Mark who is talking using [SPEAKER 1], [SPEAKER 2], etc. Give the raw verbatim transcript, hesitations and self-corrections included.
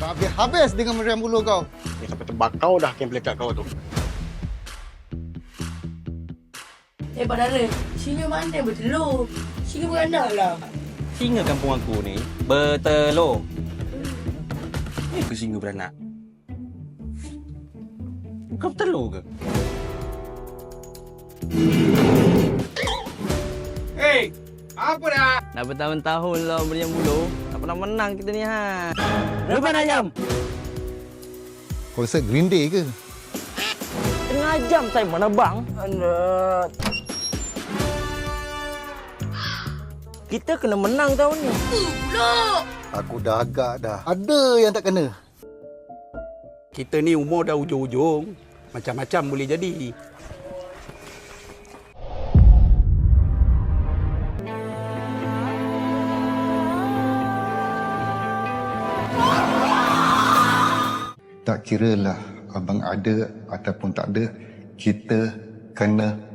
[SPEAKER 1] Habis-habis dengan meriam bulu kau.
[SPEAKER 2] Ni sampai terbakau dah kem pelekat kau tu.
[SPEAKER 3] Eh, Pak Dara, singa mana bertelur? Singa beranak lah.
[SPEAKER 4] Singa kampung aku ni bertelur. Ni ke singa beranak? Bukan bertelur ke?
[SPEAKER 5] Hei, apa dah?
[SPEAKER 6] Dah bertahun-tahun lah meriam bulu. Tak pernah menang kita ni ha. Lepas ayam.
[SPEAKER 1] Kau rasa Green Day ke?
[SPEAKER 6] Tengah jam saya mana bang? Anak. Kita kena menang tahun ni.
[SPEAKER 1] Aku dah agak dah. Ada yang tak kena.
[SPEAKER 5] Kita ni umur dah ujung-ujung. Macam-macam boleh jadi.
[SPEAKER 1] Tak kiralah abang ada ataupun tak ada, kita kena